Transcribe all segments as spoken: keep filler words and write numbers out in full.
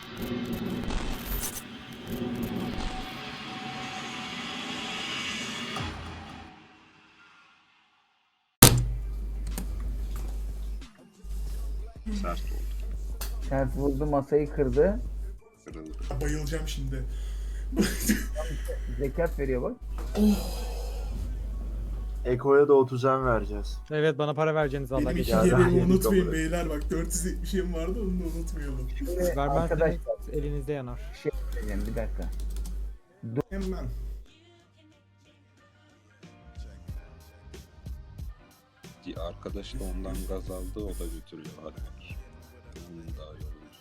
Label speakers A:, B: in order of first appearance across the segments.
A: Sert oldu.
B: Sert vurdu, masayı kırdı.
A: Kırıldı.
C: Bayılacağım şimdi.
B: Zekat veriyor bak.
D: Eko'ya da otuzan vereceğiz.
E: Evet, bana para vereceğiniz valla
C: Benim iki
E: geçen.
D: Ya,
C: yerimi
D: yedik
C: unutmayın
D: kabul et.
C: beyler, bak dört yüz yetmişim vardı, onu da unutmayalım.
B: Şimdi
E: Vermezseniz
B: arkadaşlar
E: elinizde yanar.
B: bir şey söyleyeceğim, bir dakika.
C: Hemen.
A: Bir arkadaş da ondan gaz aldı, o da götürüyor. Hadi bakayım. Onun daha iyi olur.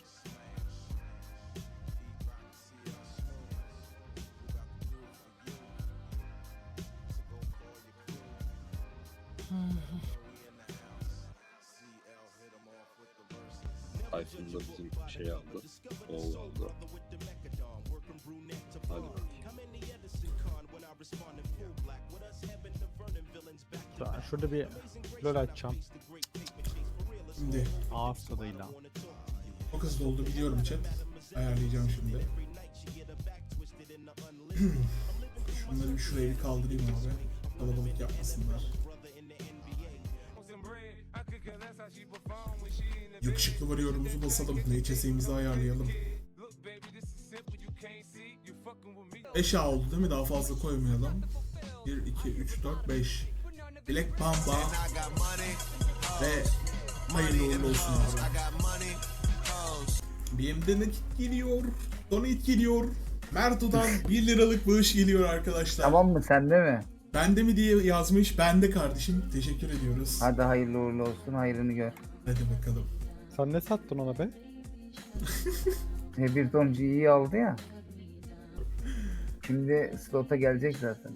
A: Tayfun da bizim şey aldı. Oğul aldı. Hadi bakayım.
E: Tamam, şurada bir lol açacağım.
C: Şimdi
E: Ağız tadıyla.
C: çok hızlı oldu biliyorum chat. Ayarlayacağım şimdi. Şunları bir şuraya bir kaldırayım abi. Kalabalık yapmasınlar. Yakışıklı varıyorumuzu basalım. N H S'imizi ayarlayalım. beş A oldu değil mi? Daha fazla koymayalım. bir, iki, üç, dört, beş. Black Mamba ve hayırlı uğurlu olsun abi. B M'de nakit geliyor. Donate geliyor. Merto'dan bir liralık bağış geliyor arkadaşlar.
B: Tamam mı, sende mi?
C: Bende mi diye yazmış. Bende kardeşim. Teşekkür ediyoruz.
B: Hadi hayırlı uğurlu olsun, hayrını gör.
C: Hadi bakalım.
E: Sen ne sattın ona be?
B: E, bir ton G'yi aldı ya. Şimdi slota gelecek zaten.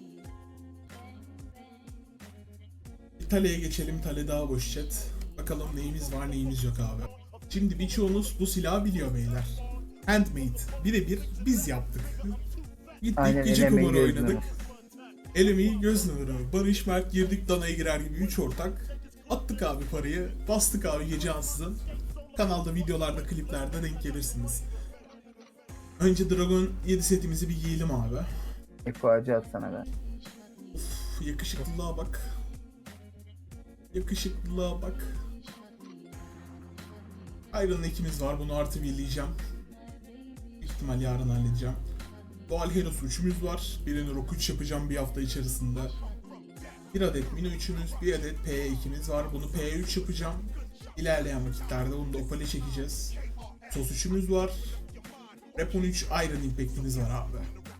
C: Bir Tale'ye geçelim. Tale daha boş chat. Bakalım neyimiz var neyimiz yok abi. Şimdi birçoğunuz bu silahı biliyor beyler. Handmade. Birebir biz yaptık. Gittik
B: Aynen,
C: gece
B: el emeği,
C: kumarı
B: göz
C: oynadık.
B: nuru.
C: El emeği göz nuru. Barış Mert girdik danaya girer gibi üç ortak. Attık abi parayı. Bastık abi gece ansızın. Kanalda videolarda kliplerde denk gelirsiniz. Önce Dragon yedi setimizi bir giyelim abi.
B: Eko acı at sana ben.
C: Uf, yakışıklılığa bak. Yakışıklılığa bak. Iron ekimiz var. Bunu artı birleyeceğim. Büyük ihtimal yarın halledeceğim. Doğal Heros üçümüz var. Birini Rock üç yapacağım bir hafta içerisinde. Bir adet Mino üçümüz, bir adet P E ikimiz var. Bunu P E üç yapacağım. İlerleyen vakitlerde bunu da Opal'e çekeceğiz. Sos üçümüz var. Rep on üç Iron Impact'imiz var abi.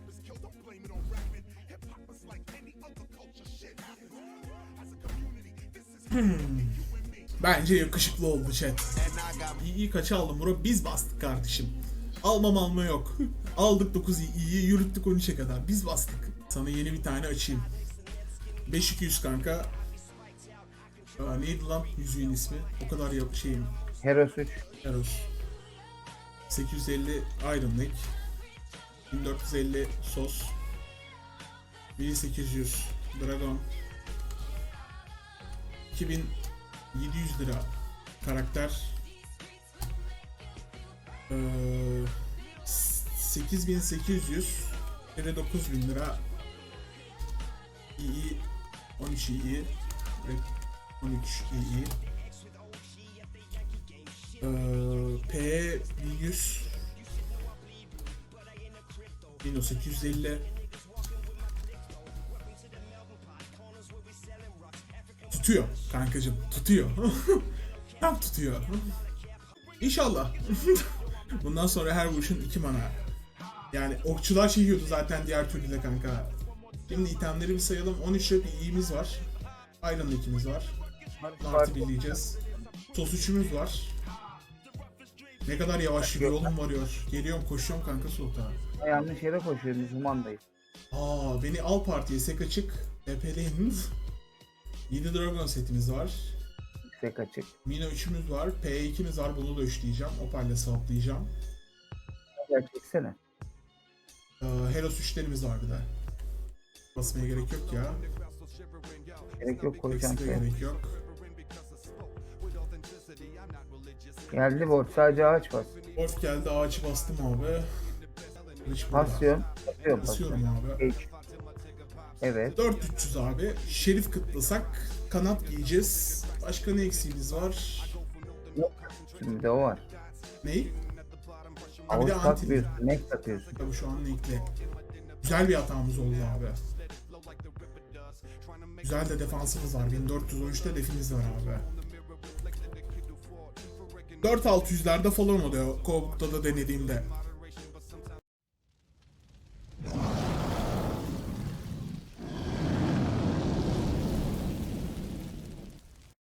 C: Hmm. Bence yakışıklı oldu chat. İyi iyi kaça aldım bro? Biz bastık kardeşim. Almam alma yok. Aldık dokuz iyiyi yürüttük on üçe kadar. Biz bastık. Sana yeni bir tane açayım. beş iki yüz kanka. Aa, neydi lan yüzüğün ismi? O kadar yap şeyim.
B: Heros üç.
C: Eros. sekiz yüz elli Iron Neck. bin dört yüz elli Sos. bin sekiz yüz Dragon. iki bin yedi yüz lira karakter. Ee, sekiz bin sekiz yüz ve dokuz bin lira iyi on üç iyi ve on üç iyi. Ee, P bin yüz bin sekiz yüz elli tutuyor kankacım, tutuyor. Tam tutuyor. İnşallah. Bundan sonra her vuruşun iki mana. Yani okçular şey yiyordu zaten diğer türlü de kanka. Şimdi itemleri bir sayalım. on üç rep iyimiz var. Iron ikimiz var. Artı birleyeceğiz. Sos üçümüz var. Ne kadar yavaş yürüyor oğlum varıyor. Geliyorum koşuyorum kanka solta.
B: Yanlış yere koşuyor, biz humandayız.
C: Aa beni al partiye sek açık. Epeleyin. yedi Dragon setimiz var.
B: Yüksek açık.
C: Mino üçümüz var. P ikimiz var. Bunu da üçleyeceğim. Opal'le swaplayacağım.
B: Gel çeksene.
C: Ee, Heros üçlerimiz var bir de. Basmaya gerek yok ya.
B: Gerek yok, koyacağım
C: Eksi de
B: şey.
C: gerek yok.
B: Geldi borç, sadece ağaç bas.
C: Wolf geldi, ağaçı bastım abi. Kılıç burada.
B: Basıyorum. Basıyorum.
C: Basıyorum
B: basıyorum.
C: abi.
B: Geç. Evet.
C: dört bin üç yüz abi. Şerif kıtlasak kanat giyeceğiz. Başka ne eksiğimiz var?
B: Şimdi de o var.
C: Ney? Ha bir
B: Ağız
C: de anti.
B: takmıyorsun. Ne takıyorsun?
C: Tabii şu an ekle. Güzel bir hatamız oldu abi. Güzel de defansımız var. bin dört yüz on üçte defimiz var abi. dört altı yüzlerde falan oluyor. Kovuk'ta da denediğimde.